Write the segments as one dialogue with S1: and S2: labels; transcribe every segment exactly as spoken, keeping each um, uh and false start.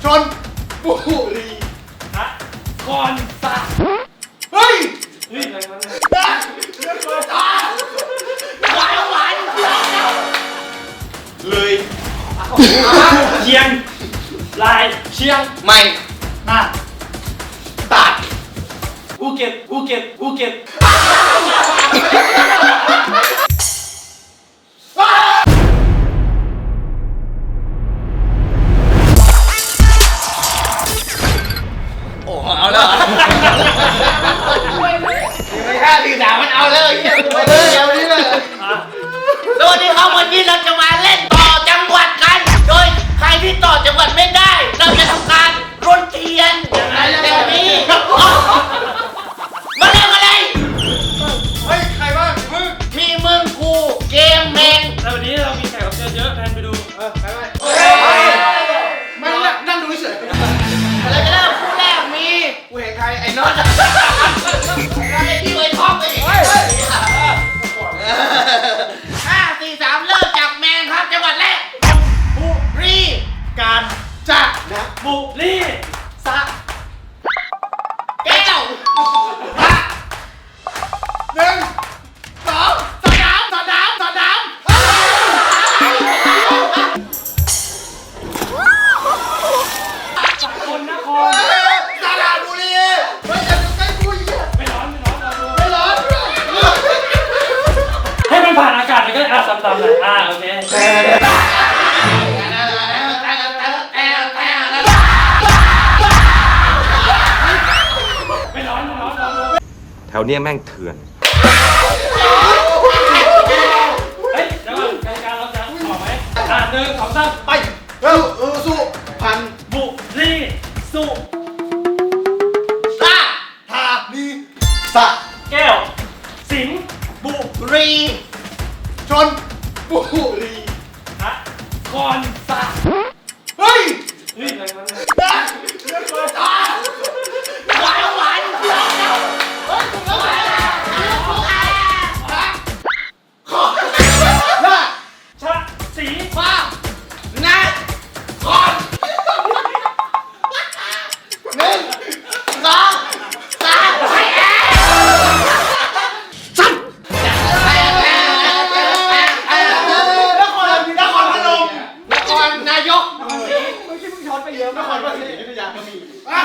S1: นบุรี
S2: ฮะก่อนสะ
S1: เฮ้ย
S2: เฮ้ยอะไรวะเนี่ย
S1: หวานหวานเลย
S2: เชียงราย
S1: เชียงใหม่น่านตราด
S2: ภูเก็ตภูเก็ตภูเก็ต
S1: โอ้เอาแล้วไม่ห้าสี่สามมันเอาแล้วเฮียไปเลยเอานี้เลยสวัสดีครับวันนี้เราจะมาเล่นต่อจังหวัดกันโดยใครที่ต่อจังหวัดไม่ได้เราจะทำการรนเทียนแบบนี้มาเล่นอะไรเฮ้ยใครบ้างมึงมีมึงกูเกมแมน
S2: แล้ววันนี้เรามีแขกรับเชิญเยอะแทนไปดู
S1: เออไปไปไม่นั่งดูเฉยอะไรกันแล้วคู่แรกมีกูเห็นใครไอ้น็อตเราไปที่ไว้ท็อปไปดิห้าสี่สามเริ่มจากแมนครับจังหวัดแรกบุรีการจะนะ
S2: บุรี
S1: สะแก้วพระหนึ่งสองสนามสนามสนาม
S2: สกลนคร
S1: สระบุรีไม่จะอยู่ใกล้กูอีก
S2: ไม่ร้อนไม่ร้อนเราดู
S1: ไม่ร้อน
S2: ให้มันผ่านอากาศไปก็อ่ะตามๆเลยอ่ะโอเคไม่ร้อนไม่ร้อนเราดู
S3: แถวเนี้ยแม่งเถื่อน
S2: เฮ้ยเดี๋ยวก่อนกติกาเราจะออกไหมอ่ะหนึ่งสองสามไป
S1: เร็วเออสู้พัน
S2: บุรีสุ
S1: สะธานีสะ
S2: แก้วสิงห์บุ
S1: รีชนบุรี
S2: ฮะก่อนสะ
S1: เฮ้ย
S2: เฮ้ยอะไรวะเนี่ย
S1: หวานหวานเฮ้ยคุณแล้วหวานขอละ
S2: ชะสี
S1: ฟ้านะคอนหนึ่งสองสามไปแอร์สั้นนครนครพนมนครนายกไม่ใช่มึงช้อนไปเยอะนครพนมอยุธยาก็มีอ่ะ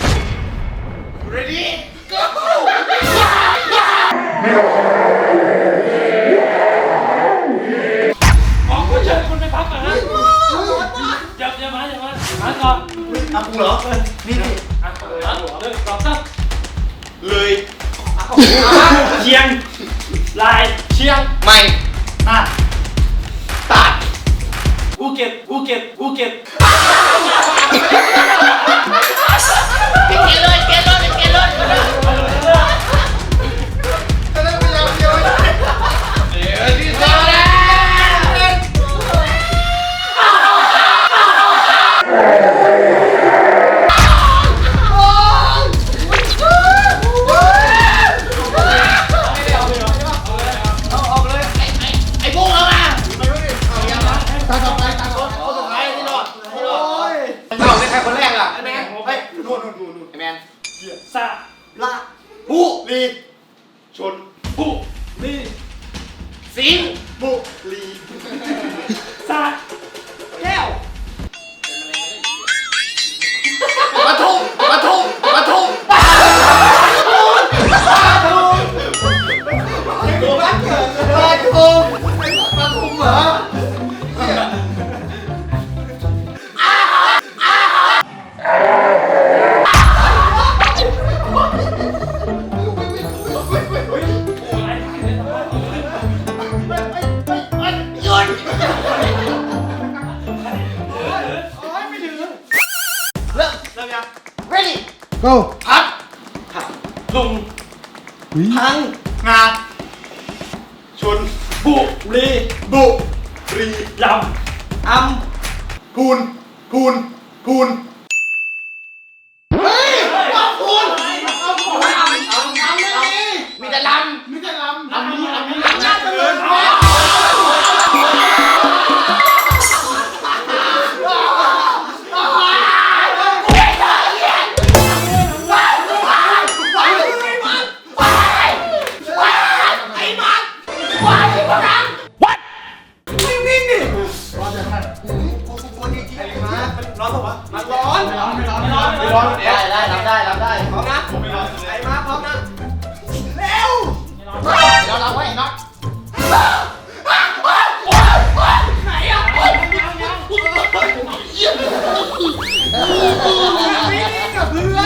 S1: ready go
S2: ขอคุณเชิญคุณไปพักก่อนนะอย่าอย่ามาอย่ามามาก่อน
S1: อ่ะกูเหรอนี่นี่
S2: อ่ะเปิดหนึ่งสองสาม
S1: เลย
S2: เชียงราย
S1: เชียงใหม่น่านตราด
S2: ภูเก็ตภูเก็ตภูเก็ต
S1: เกลเลยเกลเลยเกลเลยจะเล่นไปแล้วเดียวเดี๋ยวที่สองแล้วไอ้พวกเรามาตาต่อไปตาคนคนสุดท้ายที่รอดที่รอดเอาในใครคนแรกอ่ะไอ้แมนเฮ้ยนู่นนู่นนู่นไอ้แมน
S2: สะ
S1: ละบุรีชน
S2: บุรี
S1: สิงห์บุรี
S2: สะ
S1: แก้วปทุมปทุมปทุมปทุมปทุมปทุมปทุมเหรอready
S4: go
S1: พัด
S2: ลุง
S1: พังงาชน
S2: บุรี
S1: บุรี
S2: ล
S1: ำอำพูนพูนพูนเฮ้ยว่าพูนเอาพูนอำอำอำไม่มีมีแต่ลำมีแต่ลำลำนี้ลำนี้ลำน่าจะเลินเ
S3: ร้อนปะวะมันร้อนไม่ร้อนไม่ร้อนไม่ร้อนไม่ร้อน
S1: ได้ได้รับได้รับได้
S3: พร้อมนะไม่ร้อนไอ้มาพร้อมนะเร็ว
S1: เราเราไว้น็อต
S3: ไหนอ่ะ
S2: ยังยัง
S3: วิ่งกับเพื่อน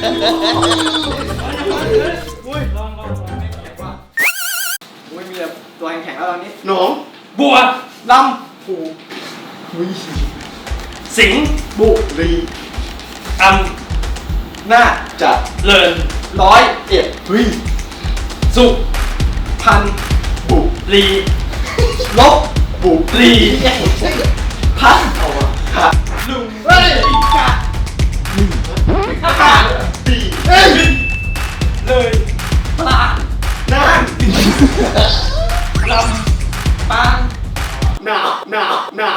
S2: อุ้ยลองลองลองไม่แข็งว่า
S3: อุ้ยมีแต่ตัวแข็งๆแล้วตอนนี้
S4: หนอง
S2: บัว
S3: ลำผู
S4: วิ
S2: สิง
S4: บุรี
S2: อัม
S3: น่าจะ
S2: เลิน
S3: ร้อยเอ็ด
S4: วิ
S2: สุ
S3: พัน
S4: บุ
S2: รี
S3: ลบ
S4: บุ
S2: รี
S3: พัน
S4: เอาวะขา
S3: ลุงเฮ้ยกะ
S4: ปีเอ้ย
S3: เลยปลา
S4: น่าน
S2: ล
S3: ปาง
S4: หนาวหนาวหนาว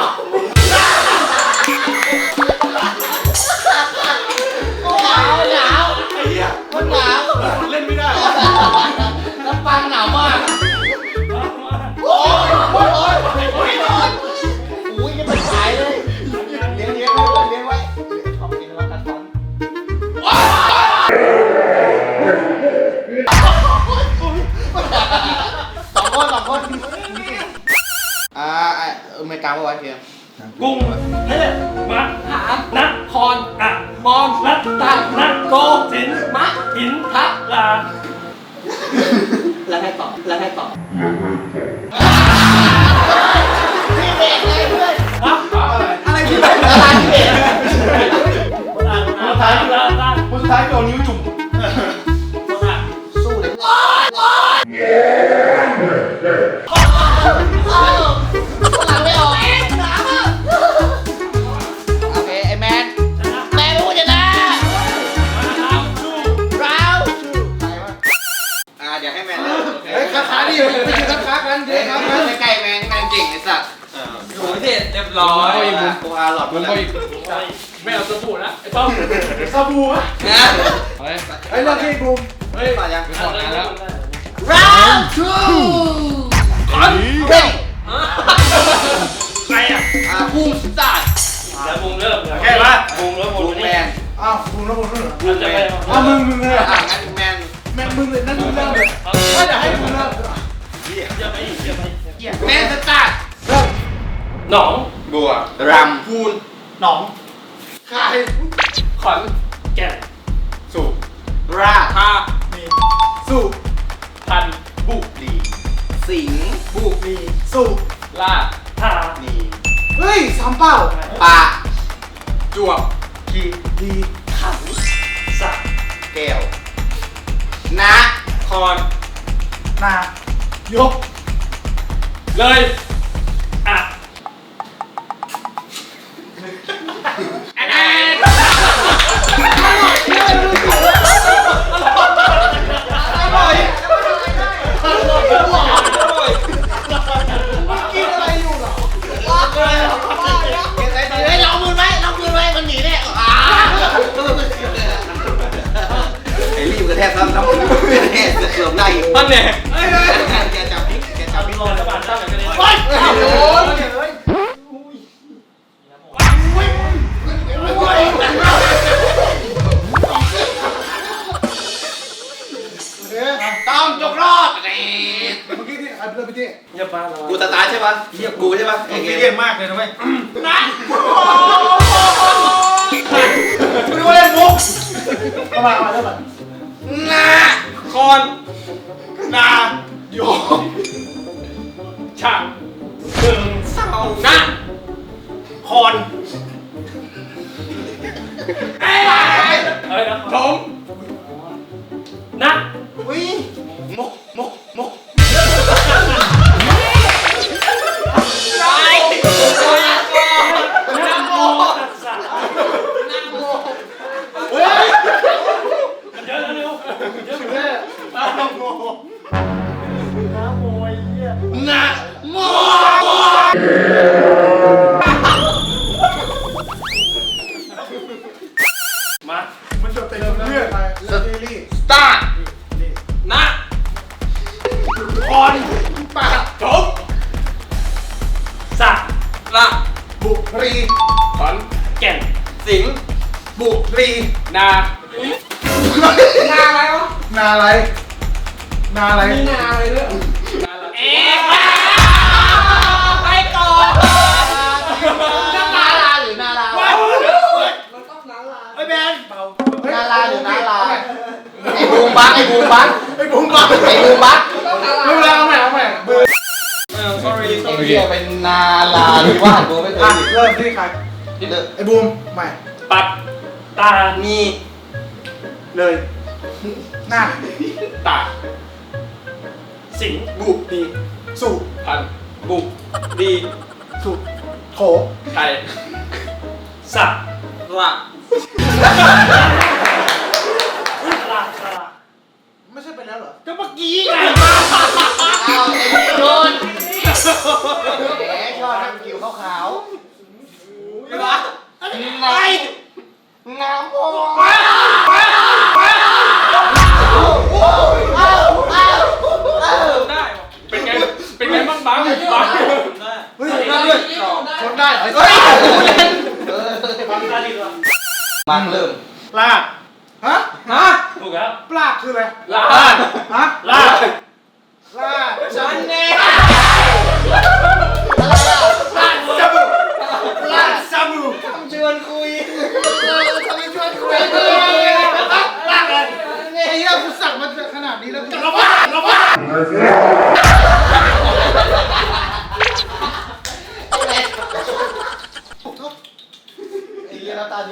S1: หนาวหนาว
S4: ไอ้เหี้ย
S1: มันหนาว
S4: เล่นไม่ได้
S1: ลำปางหนาวมาก
S2: ำมามา
S1: โอ้ยโอ้ยโอ้ยโอ้ยโอ้ยอุ้ยยังไม่ขายเลยเลี้ยงเลี้ยงไว้เลี้ยงไว้ขอบคุณนะครับท่านสองคนสองคนอ่าเออไม่กลางว่าไว้เพียง
S2: กุ้ง
S3: เฮ้ย
S2: มะ
S3: หา
S2: นัก
S3: คอน
S2: อะ
S3: มอง
S2: นักตักนักโกสิน
S3: มะ
S2: หิน
S3: ทะ
S2: ลา
S3: แล้วให้ต่อแล้วให้ต่อ
S1: พี่เบรกเลยเพื่อน
S2: ฮะ
S3: อะไรที่แบบ
S1: อะไรพี่เบรก
S2: คนอ่านคนอ่านคนอ่านคนอ่าน
S4: คนสุดท้ายโดนนิ้วจุ่ม
S2: คนอ่าน
S1: สู้เลยโอ๊ยโอ๊ยเอ้าหลังไม่ออกโอเคไอ้แมน
S2: ชนะ
S1: แมนพูดชนะ
S2: มาครับดู
S1: เราว
S5: อ่าเดี๋ยวให้แมนเริ่ม
S4: เฮ้ยค้าค้าดิไม่ใช่ค้าค้ากันเดี๋ยวค้ากัน
S5: ใกล้ๆแมนแมนเก่งไอ้สัตว์
S3: โอ้ยเด็ดเรียบร้อย
S5: กูอาหลอดมันเลย
S2: ไม่เอาสบู่นะไอ้ป้อม
S4: ซาบูอะ
S5: นะ
S4: ไอ้เรื่องที่บูม
S5: เฮ้ยมายัง
S2: ถอดแล้ว
S1: เราวทูคอนเฮ้ย
S2: ใครอ่ะ
S5: อ่าภูมิสัตว์
S2: แล้วมุงเริ่ม
S4: แค่ปะ
S2: มุงแล้ว
S5: ภู
S2: มุง
S5: มิ
S2: นี่
S5: แมน
S4: อ้าวบูมแล้วบูมแล้วเหรอ
S2: มันจะไป
S4: อ้าวมึงมึงเลย
S5: อ่า
S4: อ่ะ
S5: งั้นแมน
S4: แม่งมึงเลยนั่นมึงเริ่มเลยไม่เดี๋ยวให้มึงเริ่ม
S2: เยอะไปอีกเยอะไป
S5: แมนสตาร์
S4: เริ่ม
S2: หนอง
S5: บัวรำพูน
S4: หนองคาย
S3: ขอน
S2: แก่น
S4: สูบ
S5: ราทา
S4: มีสูบ
S2: พัน
S5: บุรี สิงห์
S4: บุมีสูบ
S3: ลา
S2: ทา
S5: นี
S4: เฮ้ยสามเป้า
S5: ปาจวบ
S4: ขีดี
S2: สัก
S5: แก้วนะคอน
S4: นายก
S2: เลยอ่ะ
S5: อันนั้น
S4: อร่อยอร่อยอร่อยกินอะไรอยู่เหรอ
S5: เก็บไว้ดี
S1: เฮ้ยลองมือไว้ลองมือไว้มันหนีแน่อ่า
S5: ไอ้รีบกระแทกซ้ำน้ำมันกระแทกจะเกือบได้อีก
S3: มันเนี่ย
S5: แกจับนี่แกจับ
S2: มี
S5: นี่
S2: รอยระบาดตั้งแต่กันเลย
S1: โอ๊ย
S4: โอ้ยเฮ้ย
S5: ต้องจบรอบ
S4: เมื่อกี้ที่ใครเป็นพี่ที่
S2: อย่าปาเรา
S5: กูสตาร์ทใช่ปะกูใช่ปะไอ้เก
S4: เยี่ย
S5: ม
S4: มมากเลยนะเว้ย
S1: นะ
S4: ไม่รู้เล่นมุกเข้ามามาเริ่มก่อน
S5: นา
S3: คอน
S4: นายก
S2: ฉากหนึ่ง
S5: เสา
S3: นะ
S4: คอน
S2: เอ้ยนะ
S4: ถม
S2: นะ
S4: อุ้ย
S5: โมโมโม
S3: ตาย
S2: นะโมตัสสะ
S4: เฮ้ย
S2: มันเยอะแล้วเร็วเยอะเหมือน
S4: แม่
S2: กัน
S4: ตาโมน้าโมยเหี้ย
S5: นาโม
S2: มา
S4: มันจะเป็นเรื่องอะไรเรื่องซีรีส์
S5: สตาร์
S3: นะ
S4: คอนปากถม
S2: สัก
S3: ละ
S4: บุรี
S3: ขอน
S2: แก่น
S5: สิง
S4: บุรี
S5: นา
S3: นาอะไรวะ
S4: นาอะไรนาอะไร
S3: มีนาอะไรด้วย
S1: เอ๊ะไปก่อนนาราหรือนารา
S3: มันต้องนาลา
S1: ไอ้แบนนาราหรือนาราไอ้บูมบักไอ้บูมบัก
S4: ไอ้บุ้งบ้า
S1: ไอ้บูมบัก
S3: ต้องนาลา
S4: รู้แล้วเอาใหม่เอาใหม่เบอร์
S5: เออ sorry
S1: ไอ้เหี้ยเป็นนาราหรือว่ากูไม่เค
S4: อ่ะ
S1: ย
S4: เริ่มที่ใครไอ้บูมใหม่
S2: ปัดตา
S5: มี
S4: เลยหน้า
S5: ตา
S2: สิง
S5: บุดี
S4: สุ
S5: พันบุดี
S4: สุโถ
S5: ไทย
S2: สัก
S5: ละ
S2: ลาสละ
S4: ไม่ใช่ไปแล้วเหรอ
S1: ก็เมื่อกี้ไงเอาไอ้โดนแหมชอบนักกิวขาวๆอะไรไอ้น้ำโมเอาเอาเอา
S5: ได้เป็นไงเป็นไงบ้างบ้างบ้าง
S4: เฮ้ยได้ด้วยชนได้เหรอ
S1: เฮ้ยเล่น
S2: ปัดตาดีกว่า
S1: มันเริ่ม
S4: ลากฮะฮะ
S2: ถูกแล้ว
S4: ปลากคืออะไร
S5: ลา
S4: ฮะ
S2: ลา
S4: ลาก
S1: ฉันเองอะไรอ่ะ
S4: ลากซาบูลากซาบู
S1: ทำชวนคุยเออทำไมชวนคุยเลย
S4: ลากเลยไอ้เหี้ยกูสั่งมาขนาดนี้แล้วกู
S2: เราบ้าเราบ้า
S1: ไอ้เหี้ยน้ำตาดิ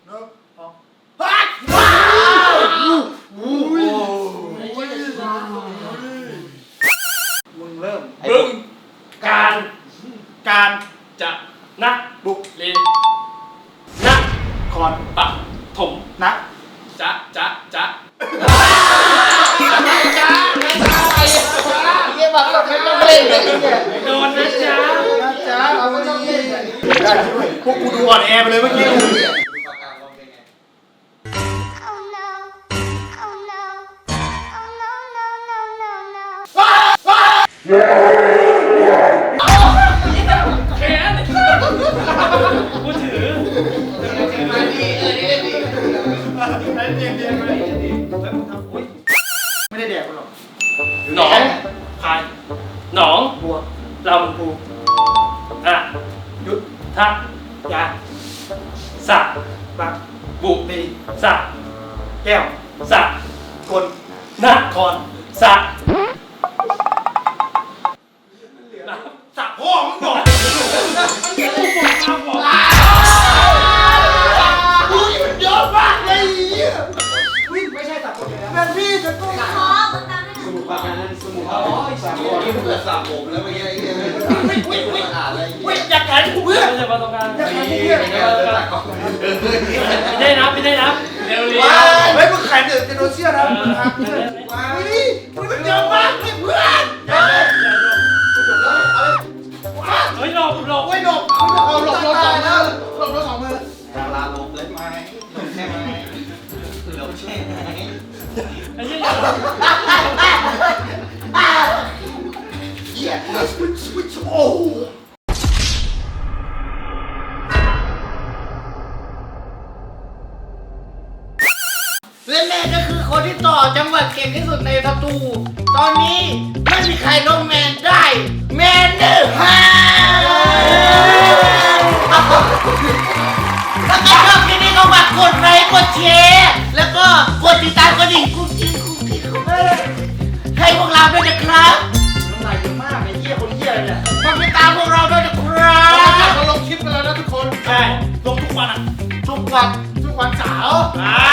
S4: มึงเริ่ม
S2: บึงการ
S4: การ
S5: จะ
S2: นัก
S4: บุก
S5: ลี
S2: นัก
S4: คอน
S5: ปะถม
S4: นัก
S5: จะจะจะ
S1: เยี่ยมแบบไม่ต้องเล่นเลยเนี่ย
S2: โดนนะจ๊ะ
S4: นะจ๊ะเอาไม่ต้องเล่นได้ช่วยพวกกูดูอ่อนแอไปเลยเมื่อกี้
S6: Oh no. Oh no. Oh no, no, no, no, no.
S2: แขนกูถือ
S1: มาดีเออดีดี
S4: ไม่ได้แดกมันหรอก
S2: หนองพายหนอง
S4: บัว
S2: ลำพูอ่ะ
S4: ยุด
S2: ทัก
S4: ยา
S2: สัก
S4: บัก
S5: บุ
S4: ดี
S2: สัก
S4: แก้ว
S2: สัก
S4: กล
S2: นักคอนสักสักพ่อมึงบอกบอก
S1: อุ้ยมันเยอะมากเลย
S4: วิ่งไม่ใช่ตัดคนเลยนะเป็นพี่จะต้อง
S6: ขอมึงตามให้หน่อย
S5: สมุทรปราการนั่นสมุทรอ๋อสามคนที่เปิดสามผมแล้วเมื่อกี้ไอ้เหี้ยไม่ไม่ไม่อ่านอะไร
S1: เว้ยอยากกันกูเพื่อน
S2: ไม่ใช่มาตรงกลาง
S4: อยาก
S2: ไม่
S4: ให้กูเพื่อน
S5: ไม่ได้ตัดก่อน
S2: ได้นับไม่ได้นับเร็วเร็ว
S4: เฮ้ยมึงแขนเดือดจะโดนเชี่ยนะมึงหักเพื่อนว้าวนี่มันเยอะมากเลยเพื่อน
S2: เฮ้ยหลบหลบ
S4: โอ้ยหลบเอาหลบหลบสองมือหลบหลบสองมือ
S5: ดาราลบเลยไหมลบใช่ไหมลบใช่ไหม
S2: ไอ้เหี้ย
S1: เหี้ย
S4: โอ้
S1: และแม่ก็คือคนที่ต่อจังหวัดเก่งที่สุดในสตู ตอนนี้ไม่มีใครลงแมนได้ แมนเดอร์ฮาถ้าใครชอบคลิปนี้ก็ฝากกดไลค์กดแชร์แล้วก็กดติดตามกระดิ่งกุ๊กกิ๊กกุ๊กกิ๊กกุ๊กกิ๊กให้พวกเราด้วยนะครับ
S4: น้ำลายเยอะมากไอ้เหี้ยคนเหี้ยเนี่ย
S1: ฝากติดตามพวกเราด้วยนะครับ
S4: เราลงคลิปกันแล้วนะทุกคน
S2: ใช่ลงทุกวันอ่ะ
S1: ทุกวัน
S4: ทุกวันเสาร์
S2: อ่า